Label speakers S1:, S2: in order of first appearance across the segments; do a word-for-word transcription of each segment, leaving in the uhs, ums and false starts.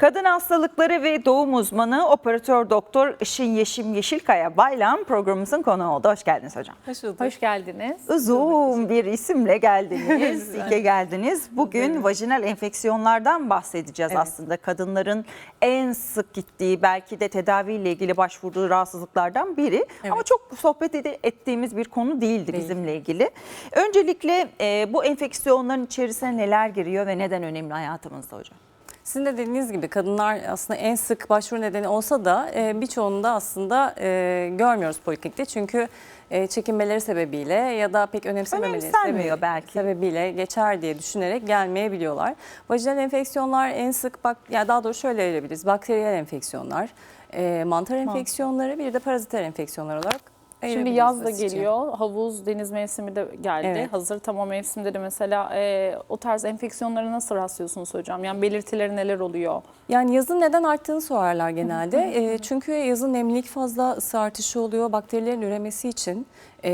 S1: Kadın hastalıkları ve doğum uzmanı operatör doktor Işın Yeşim Yeşilkaya Baylan programımızın konuğu oldu. Hoş geldiniz hocam.
S2: Hoş bulduk.
S3: Hoş geldiniz.
S1: Uzun bir isimle geldiniz, ilke geldiniz. Bugün
S2: Evet.
S1: vajinal enfeksiyonlardan bahsedeceğiz
S2: Evet.
S1: aslında. Kadınların en sık gittiği, belki de tedaviyle ilgili başvurduğu rahatsızlıklardan biri.
S2: Evet.
S1: Ama çok sohbet ed- ettiğimiz bir konu değildi
S2: Değil.
S1: bizimle ilgili. Öncelikle e, bu enfeksiyonların içerisine neler giriyor ve neden önemli hayatımızda hocam?
S2: Sizin de dediğiniz gibi kadınlar aslında en sık başvuru nedeni olsa da e, birçoğunu da aslında e, görmüyoruz poliklinikte. Çünkü e, çekinmeleri sebebiyle ya da pek önemsememeleri
S1: Önemsenmiyor
S2: sebebi-
S1: belki.
S2: sebebiyle geçer diye düşünerek gelmeyebiliyorlar. Vajinal enfeksiyonlar en sık, bak, yani daha doğrusu şöyle ayırabiliriz. Bakteriyel enfeksiyonlar, e, mantar enfeksiyonları, bir de paraziter enfeksiyonlar olarak
S3: Şimdi
S2: ayırabiliriz
S3: yaz da
S2: basitçe.
S3: geliyor. Havuz, deniz mevsimi de geldi.
S2: Evet.
S3: Hazır tam o mevsimde de mesela e, o tarz enfeksiyonlara nasıl rastlıyorsunuz hocam? Yani belirtileri neler oluyor?
S2: Yani yazın neden arttığını sorarlar genelde. E, çünkü yazın nemlilik fazla, ısı artışı oluyor. Bakterilerin üremesi için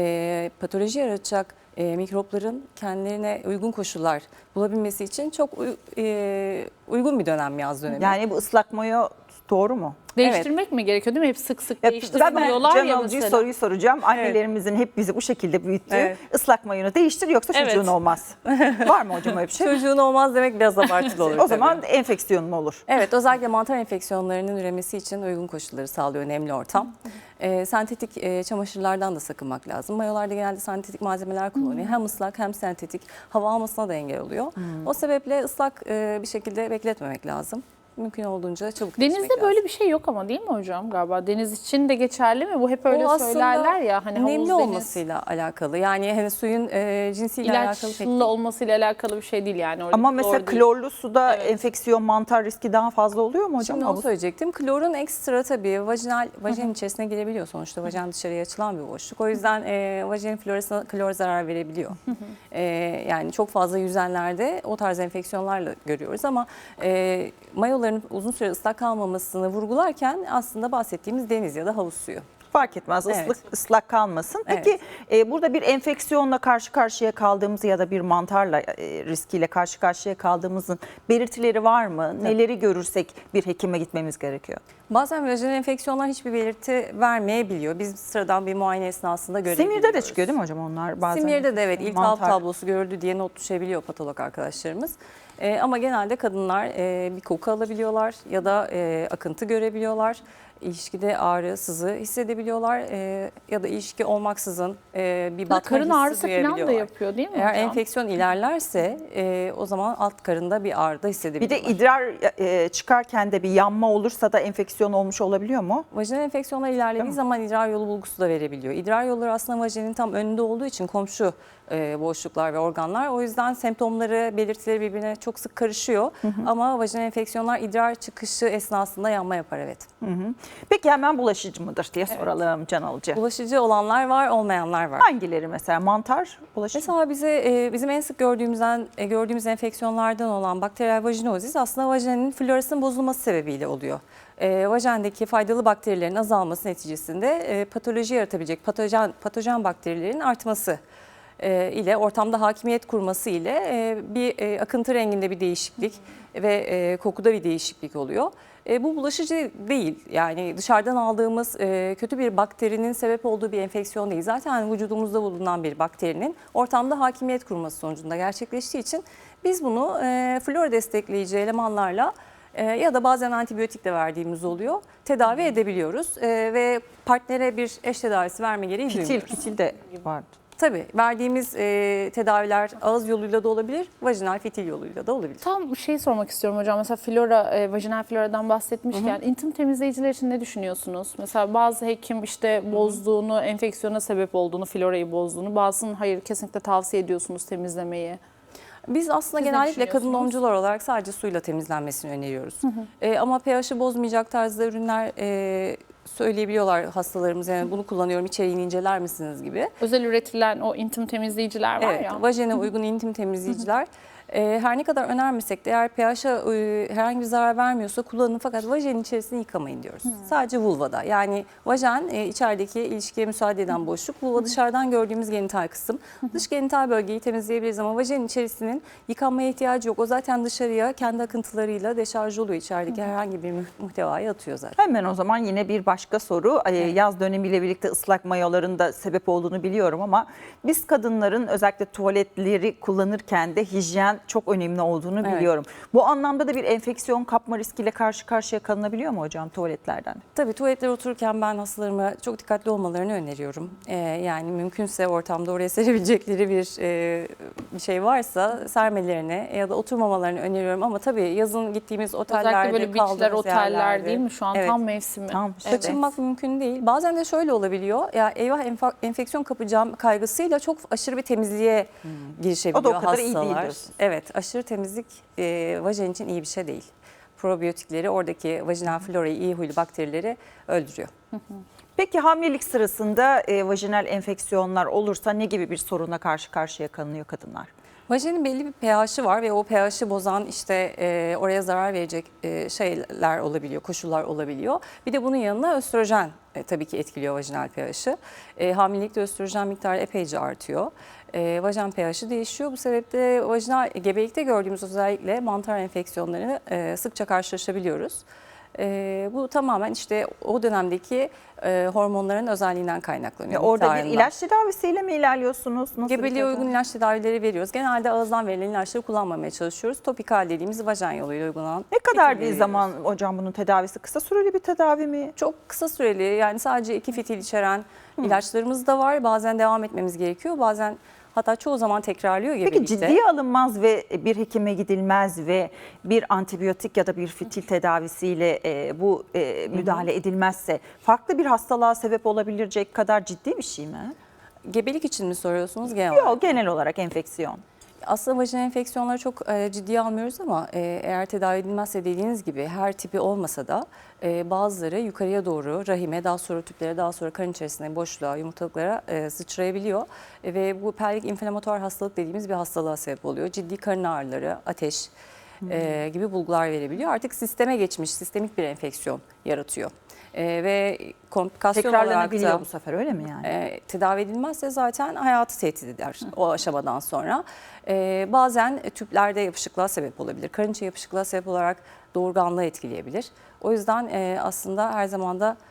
S2: e, patoloji yaratacak e, mikropların kendilerine uygun koşullar bulabilmesi için çok uy- e, uygun bir dönem yaz dönemi.
S1: Yani bu ıslak mayo doğru mu?
S3: Değiştirmek mi gerekiyor değil mi? Hep sık sık
S1: Ya,
S3: değiştirmiyorlar
S1: ben
S3: ya
S1: Can Alıcı'ya
S3: mesela.
S1: soruyu soracağım. Annelerimizin hep bizi bu şekilde büyüttüğü
S2: Evet.
S1: ıslak mayonu değiştir yoksa
S3: Evet.
S1: çocuğun olmaz. Var mı hocam öyle bir şey?
S2: Çocuğun olmaz demek biraz abartılı olur.
S1: O
S2: tabii.
S1: zaman enfeksiyonun olur.
S2: Evet, özellikle mantar enfeksiyonlarının üremesi için uygun koşulları sağlıyor nemli ortam. Ee, sentetik e, çamaşırlardan da sakınmak lazım. Mayolarda genelde sentetik malzemeler kullanıyor. Hem ıslak hem sentetik, hava almasına da engel oluyor. O sebeple ıslak e, bir şekilde bekletmemek lazım. Mümkün olduğunca çabuk değişmek
S3: Denizde
S2: lazım.
S3: böyle bir şey yok ama değil mi hocam galiba? Deniz için de geçerli mi? Bu hep öyle
S2: O aslında
S3: söylerler ya. Hani havuz,
S2: nemli
S3: deniz,
S2: olmasıyla alakalı. Yani hani suyun e, cinsiyle alakalı pek
S3: ilaçlı olmasıyla alakalı bir şey değil yani. Öyle
S1: Ama
S3: doğru
S1: mesela
S3: değil.
S1: klorlu suda
S3: Evet.
S1: enfeksiyon, mantar riski daha fazla oluyor mu hocam?
S2: Şimdi onu
S1: Havuz-
S2: söyleyecektim. Klorun ekstra tabii vajinal, vajinin içerisine girebiliyor. Sonuçta vajin dışarıya açılan bir boşluk. O yüzden e, vajinin florasına klor zarar verebiliyor. E, yani çok fazla yüzenlerde o tarz enfeksiyonlarla görüyoruz ama e, mayoların uzun süre ıslak kalmamasını vurgularken aslında bahsettiğimiz deniz ya da havuz suyu.
S1: Fark etmez,
S2: Evet.
S1: ıslık, ıslak kalmasın. Peki e, burada bir enfeksiyonla karşı karşıya kaldığımız ya da bir mantarla e, riskiyle karşı karşıya kaldığımızın belirtileri var mı? Neleri görürsek bir hekime gitmemiz gerekiyor?
S2: Bazen vajinal enfeksiyonlar hiçbir belirti vermeyebiliyor. Biz sıradan bir muayene esnasında görebiliyoruz.
S1: Simirde de çıkıyor değil mi hocam onlar bazen?
S2: Simirde de evet iltihap
S1: Mantar.
S2: tablosu görüldü diye not düşebiliyor patolog arkadaşlarımız. Ee, ama genelde kadınlar e, bir koku alabiliyorlar ya da e, akıntı görebiliyorlar. İlişkide ağrı, sızı hissedebiliyorlar e, ya da ilişki olmaksızın e, bir
S3: Ya da
S2: batma
S3: karın
S2: hissi
S3: ağrısı falan da
S2: duyabiliyorlar.
S3: yapıyor değil mi
S2: Eğer
S3: hocam?
S2: enfeksiyon ilerlerse e, o zaman alt karında bir ağrı da
S1: Bir
S2: hissedebiliyorlar.
S1: de idrar e, çıkarken de bir yanma olursa da enfeksiyon olmuş olabiliyor mu?
S2: Vajinal enfeksiyonlar
S1: Değil
S2: ilerlediği
S1: mi?
S2: zaman idrar yolu bulgusu da verebiliyor. İdrar yolları aslında vajinin tam önünde olduğu için komşu e, boşluklar ve organlar. O yüzden semptomları, belirtileri birbirine çok sık karışıyor. Ama vajinal enfeksiyonlar idrar çıkışı esnasında yanma yapar, evet.
S1: Hı hı. Peki hemen bulaşıcı mıdır diye soralım Can Alıcı.
S2: Bulaşıcı olanlar var, olmayanlar var.
S1: Hangileri mesela? Mantar bulaşıcı?
S2: Mesela bize e, bizim en sık gördüğümüzden e, gördüğümüz enfeksiyonlardan olan bakteriyel vajinozis aslında vajinin florasının bozulması sebebiyle oluyor. E, vajendeki faydalı bakterilerin azalması neticesinde e, patoloji yaratabilecek patojen patojen bakterilerin artması e, ile ortamda hakimiyet kurması ile e, bir e, akıntı renginde bir değişiklik ve e, kokuda bir değişiklik oluyor. E, bu bulaşıcı değil, yani dışarıdan aldığımız e, kötü bir bakterinin sebep olduğu bir enfeksiyon değil. Zaten vücudumuzda bulunan bir bakterinin ortamda hakimiyet kurması sonucunda gerçekleştiği için biz bunu e, flora destekleyici elemanlarla e, ya da bazen antibiyotik de verdiğimiz oluyor, tedavi edebiliyoruz e, ve partnere bir eş tedavisi verme gereği
S1: Fitil,
S2: duymuyoruz.
S1: fitil de vardı.
S2: Tabii verdiğimiz e, tedaviler ağız yoluyla da olabilir, vajinal fitil yoluyla da olabilir.
S3: Tam bir şey sormak istiyorum hocam. Mesela flora, e, vajinal floradan bahsetmişken intim temizleyiciler için ne düşünüyorsunuz? Mesela bazı hekim işte bozduğunu, enfeksiyona sebep olduğunu, florayı bozduğunu, bazısının hayır kesinlikle tavsiye ediyorsunuz temizlemeyi.
S2: Biz aslında
S3: Siz ne
S2: genellikle kadın
S3: düşünüyorsunuz?
S2: doğumcular olarak sadece suyla temizlenmesini öneriyoruz. E, ama pH'i bozmayacak tarzda ürünler e, söyleyebiliyorlar hastalarımız. Yani bunu kullanıyorum, içeriğini inceler misiniz gibi.
S3: Özel üretilen o intim temizleyiciler var
S2: Evet,
S3: ya.
S2: vajene uygun intim temizleyiciler E, her ne kadar önermesek de eğer pH'a e, herhangi bir zarar vermiyorsa kullanın, fakat vajenin içerisini yıkamayın diyoruz. Hmm. Sadece vulvada. Yani vajen e, içerideki ilişkiye müsaade eden boşluk. Vulva dışarıdan gördüğümüz genital kısım. Dış genital bölgeyi temizleyebiliriz ama vajenin içerisinin yıkanmaya ihtiyacı yok. O zaten dışarıya kendi akıntılarıyla deşarj oluyor. İçerideki herhangi bir muhtevayı atıyor zaten.
S1: Hemen o zaman yine bir başka soru. Evet. Yaz dönemiyle birlikte ıslak mayoların da sebep olduğunu biliyorum ama biz kadınların özellikle tuvaletleri kullanırken de hijyen çok önemli olduğunu
S2: Evet.
S1: biliyorum. Bu anlamda da bir enfeksiyon kapma riskiyle karşı karşıya kalınabiliyor mu hocam tuvaletlerden?
S2: Tabii tuvaletlere otururken ben hastalarıma çok dikkatli olmalarını öneriyorum. Ee, yani mümkünse ortamda oraya serebilecekleri bir, e, bir şey varsa sermelerini ya da oturmamalarını öneriyorum. Ama tabii yazın gittiğimiz otellerde,
S3: Özellikle böyle beachler,
S2: kaldığımız
S3: oteller
S2: yerlerde,
S3: değil mi? Şu an
S2: evet,
S3: tam mevsimi.
S1: Tam işte.
S2: kaçınmak mümkün değil. Bazen de şöyle olabiliyor. Ya eyvah enfa- enfeksiyon kapacağım kaygısıyla çok aşırı bir temizliğe hmm. girişebiliyor
S1: O da o kadar iyi
S2: hastalar.
S1: değil diyorsun.
S2: Evet, aşırı temizlik e, vajen için iyi bir şey değil. Probiyotikleri, oradaki vajinal florayı, iyi huylu bakterileri öldürüyor.
S1: Peki hamilelik sırasında e, vajinal enfeksiyonlar olursa ne gibi bir sorunla karşı karşıya kalınıyor kadınlar?
S2: Vajenin belli bir pH'i var ve o pH'i bozan işte e, oraya zarar verecek e, şeyler olabiliyor, koşullar olabiliyor. Bir de bunun yanına östrojen e, tabii ki etkiliyor vajinal pH'i. E, hamilelikte östrojen miktarı epeyce artıyor. E, vajen pH'i değişiyor. Bu sebeple vajinal gebelikte gördüğümüz özellikle mantar enfeksiyonlarını e, sıkça karşılaşabiliyoruz. E, bu tamamen işte o dönemdeki e, hormonların özelliğinden kaynaklanıyor.
S1: Ya orada bir
S2: miktarından.
S1: ilaç tedavisiyle mi ilerliyorsunuz? Nasıl
S2: Gebeliğe
S1: bir
S2: uygun ilaç tedavileri veriyoruz. Genelde ağızdan verilen ilaçları kullanmamaya çalışıyoruz. Topikal dediğimiz vajen yoluyla uygulanan.
S1: Ne kadar
S2: fitil
S1: bir
S2: veriyoruz.
S1: zaman hocam bunun tedavisi? Kısa süreli bir tedavi mi?
S2: Çok kısa süreli, yani sadece iki fitil içeren ilaçlarımız da var. Bazen devam etmemiz gerekiyor. Bazen, hatta çoğu zaman tekrarlıyor
S1: Peki
S2: gebelikte.
S1: ciddiye alınmaz ve bir hekime gidilmez ve bir antibiyotik ya da bir fitil tedavisiyle e, bu e, müdahale edilmezse farklı bir hastalığa sebep olabilecek kadar ciddi bir şey mi?
S2: Gebelik için mi soruyorsunuz genel olarak?
S1: Yok, genel olarak enfeksiyon.
S2: Aslında vajinal enfeksiyonları çok e, ciddiye almıyoruz ama e, eğer tedavi edilmezse dediğiniz gibi her tipi olmasa da e, bazıları yukarıya doğru rahime, daha sonra tüplere, daha sonra karın içerisine, boşluğa, yumurtalıklara e, sıçrayabiliyor. E, ve bu pelvik inflamatuar hastalık dediğimiz bir hastalığa sebep oluyor. Ciddi karın ağrıları, ateş e, gibi bulgular verebiliyor. Artık sisteme geçmiş, sistemik bir enfeksiyon yaratıyor. E, ve komplikasyon olarak
S1: Tekrarlanabiliyor
S2: da
S1: bu sefer, öyle mi yani?
S2: e, tedavi edilmezse zaten hayatı tehdit eder o aşamadan sonra. E, bazen tüplerde yapışıklığa sebep olabilir. Karınca yapışıklığa sebep olarak doğurganlığı etkileyebilir. O yüzden e, aslında her zaman da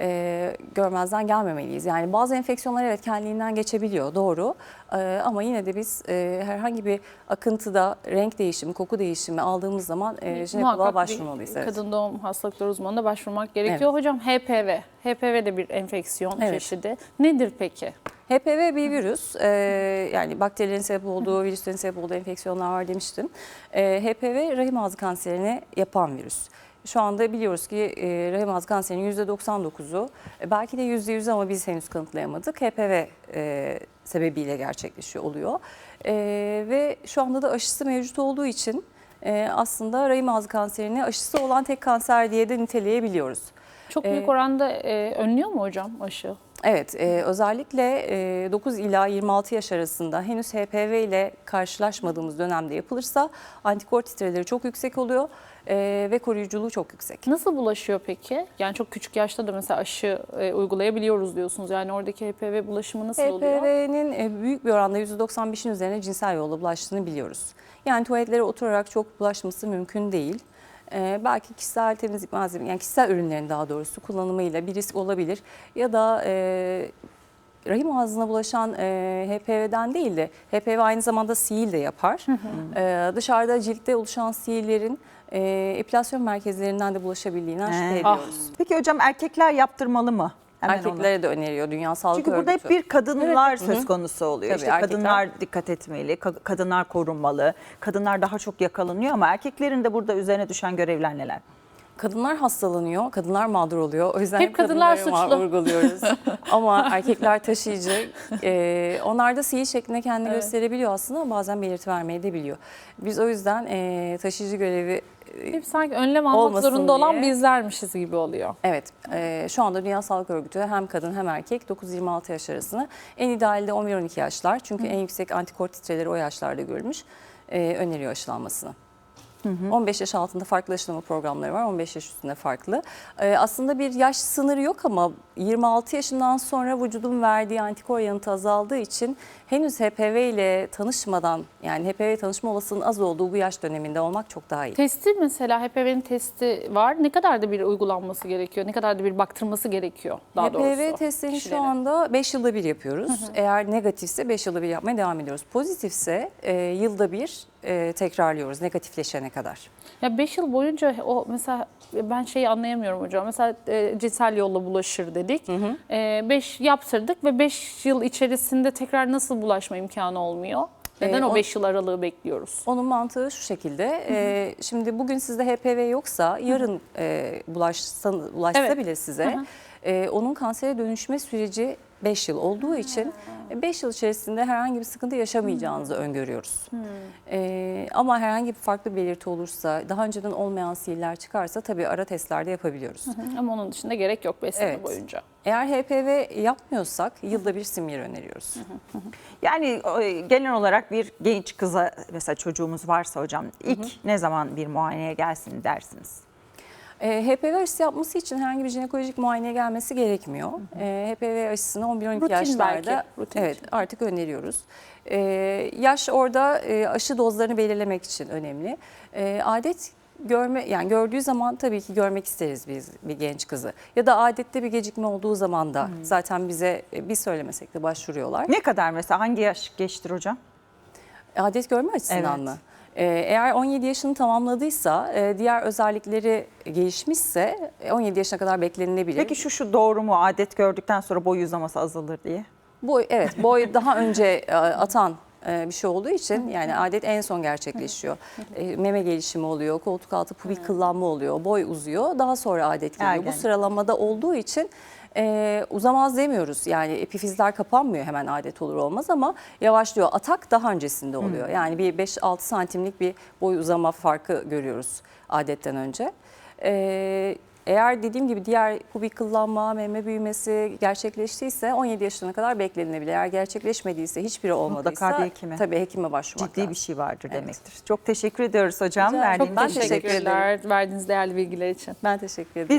S2: e, görmezden gelmemeliyiz. Yani bazı enfeksiyonlar evet kendiliğinden geçebiliyor, doğru. E, ama yine de biz e, herhangi bir akıntıda renk değişimi, koku değişimi aldığımız zaman e, jinekoloğa
S3: Muhakkak
S2: başvurmalıyız.
S3: bir
S2: Evet.
S3: kadın doğum hastalıkları uzmanına başvurmak gerekiyor. Hocam H P V. H P V de bir enfeksiyon
S2: Evet.
S3: çeşidi. Nedir peki?
S2: H P V bir virüs, ee, yani bakterilerin sebep olduğu, virüslerin sebep olduğu enfeksiyonlar var demiştim. Ee, H P V rahim ağzı kanserini yapan virüs. Şu anda biliyoruz ki e, rahim ağzı kanserinin yüzde doksan dokuzu, e, belki de yüzde yüz ama biz henüz kanıtlayamadık, H P V e, sebebiyle gerçekleşiyor oluyor. E, ve şu anda da aşısı mevcut olduğu için e, aslında rahim ağzı kanserini aşısı olan tek kanser diye de niteleyebiliyoruz.
S3: Çok büyük
S2: Ee,
S3: oranda e, önlüyor mu hocam aşı?
S2: Evet, e, özellikle e, dokuz ila yirmi altı yaş arasında henüz H P V ile karşılaşmadığımız dönemde yapılırsa antikor titreleri çok yüksek oluyor e, ve koruyuculuğu çok yüksek.
S3: Nasıl bulaşıyor peki? Yani çok küçük yaşta da mesela aşı e, uygulayabiliyoruz diyorsunuz. Yani oradaki H P V bulaşımı nasıl oluyor?
S2: H P V'nin büyük bir oranda yüzde doksan beşin üzerine cinsel yolla bulaştığını biliyoruz. Yani tuvaletlere oturarak çok bulaşması mümkün değil. Ee, belki kişisel temizlik malzeme, yani kişisel ürünlerin daha doğrusu kullanımıyla bir risk olabilir. Ya da e, rahim ağzına bulaşan e, H P V'den değil de H P V aynı zamanda sihir de yapar. Hı hı. E, dışarıda ciltte oluşan sihirlerin e, epilasyon merkezlerinden de bulaşabildiğinden şüphe ediyoruz.
S1: Peki hocam erkekler yaptırmalı mı? Hemen
S2: Erkeklere
S1: onu.
S2: de öneriyor Dünya Sağlık
S1: Çünkü
S2: Örgütü.
S1: burada hep bir kadınlar
S2: Evet.
S1: söz
S2: Hı hı.
S1: konusu oluyor.
S2: Tabii,
S1: işte
S2: erkekler-
S1: kadınlar dikkat etmeli, ka- kadınlar korunmalı, kadınlar daha çok yakalanıyor ama erkeklerin de burada üzerine düşen görevler neler?
S2: Kadınlar hastalanıyor, kadınlar mağdur oluyor. O yüzden
S3: Hep
S2: hep
S3: kadınlar
S2: kadınlara
S3: suçlu.
S2: vurguluyoruz. Ama erkekler taşıyıcı. Ee, onlar da sihir şeklinde kendini
S3: Evet.
S2: gösterebiliyor aslında ama bazen belirti vermeyi de biliyor. Biz o yüzden e, taşıyıcı görevi e,
S3: Hep sanki önlem almak
S2: olmasın
S3: zorunda olan
S2: diye.
S3: bizlermişiz gibi oluyor.
S2: Evet, e, şu anda Dünya Sağlık Örgütü hem kadın hem erkek dokuz yirmi altı yaş arasını, en idealde on bir on iki yaşlar. Çünkü en yüksek antikor titreleri o yaşlarda görülmüş. e, öneriyor aşılanmasını. on beş yaş altında farklı aşılama programları var, on beş yaş üstünde farklı. Ee, aslında bir yaş sınırı yok ama yirmi altı yaşından sonra vücudun verdiği antikor yanıtı azaldığı için henüz H P V ile tanışmadan, yani H P V tanışma olasılığının az olduğu bu yaş döneminde olmak çok daha iyi.
S3: Testi mesela H P V'nin testi var. Ne kadar da bir uygulanması gerekiyor? Ne kadar da bir baktırması gerekiyor daha doğrusu?
S2: H P V testini şu
S3: kişilerin?
S2: anda beş yılda bir yapıyoruz. Eğer negatifse beş yılda bir yapmaya devam ediyoruz. Pozitifse e, yılda bir e, tekrarlıyoruz negatifleşene kadar.
S3: Ya beş yıl boyunca o mesela ben şeyi anlayamıyorum hocam. Mesela e, cinsel yolla bulaşır dedik. beş yaptırdık ve beş yıl içerisinde tekrar nasıl bulaşma imkanı olmuyor? Neden
S2: Ee,
S3: o
S2: on-
S3: beş yıl aralığı bekliyoruz?
S2: Onun mantığı şu şekilde. e, şimdi bugün sizde H P V yoksa yarın e, bulaşsa, bulaşsa
S3: Evet.
S2: bile size e, onun kansere dönüşme süreci beş yıl olduğu için beş yıl içerisinde herhangi bir sıkıntı yaşamayacağınızı öngörüyoruz. E, ama herhangi bir farklı belirti olursa, daha önceden olmayan sihirler çıkarsa tabii ara testlerde yapabiliyoruz.
S3: Ama onun dışında gerek yok beş sene
S2: Evet.
S3: boyunca.
S2: Eğer H P V yapmıyorsak yılda bir simyer öneriyoruz.
S1: Yani e, genel olarak bir genç kıza mesela çocuğumuz varsa hocam ilk ne zaman bir muayeneye gelsin dersiniz?
S2: E, H P V aşısı yapması için herhangi bir jinekolojik muayeneye gelmesi gerekmiyor. E, H P V aşısını on bir on iki
S3: Rutin
S2: yaşlarda
S3: belki, rutin
S2: evet
S3: için.
S2: artık öneriyoruz. E, yaş orada e, aşı dozlarını belirlemek için önemli. E, adet görme yani gördüğü zaman tabii ki görmek isteriz biz bir genç kızı. Ya da adette bir gecikme olduğu zaman da zaten bize e, bir söylemesek de başvuruyorlar.
S1: Ne kadar mesela hangi yaş geçtir hocam?
S2: Adet görme açısından
S1: Evet.
S2: mı? Ee, Eğer on yedi yaşını tamamladıysa, e, diğer özellikleri gelişmişse e, on yedi yaşına kadar beklenilebilir.
S1: Peki şu şu doğru mu adet gördükten sonra boy uzaması azalır diye?
S2: Boy, evet, boy daha önce e, atan e, bir şey olduğu için yani adet en son gerçekleşiyor. E, Meme gelişimi oluyor, koltuk altı pubik kıllanma oluyor, boy uzuyor, daha sonra adet geliyor.
S1: Ergenlik.
S2: Bu sıralamada olduğu için e, uzamaz demiyoruz. Yani epifizler kapanmıyor hemen adet olur olmaz ama yavaşlıyor. Atak daha öncesinde oluyor. Yani bir beş altı santimlik bir boy uzama farkı görüyoruz adetten önce. E, Eğer dediğim gibi diğer pubik kıllanma, meme büyümesi gerçekleştiyse on yedi yaşına kadar beklenilebilir. Eğer gerçekleşmediyse, hiçbiri olmadıysa
S1: Mutlaka bir hekime.
S2: tabii hekime başvurmak
S1: Ciddi bir
S2: lazım.
S1: şey vardır
S2: Evet.
S1: demektir. Çok teşekkür ediyoruz hocam.
S2: Rica ederim.
S1: Verdiğiniz
S2: Ben
S3: Çok
S2: teşekkür ederim.
S3: teşekkürler verdiğiniz değerli bilgiler için.
S2: Ben teşekkür ederim.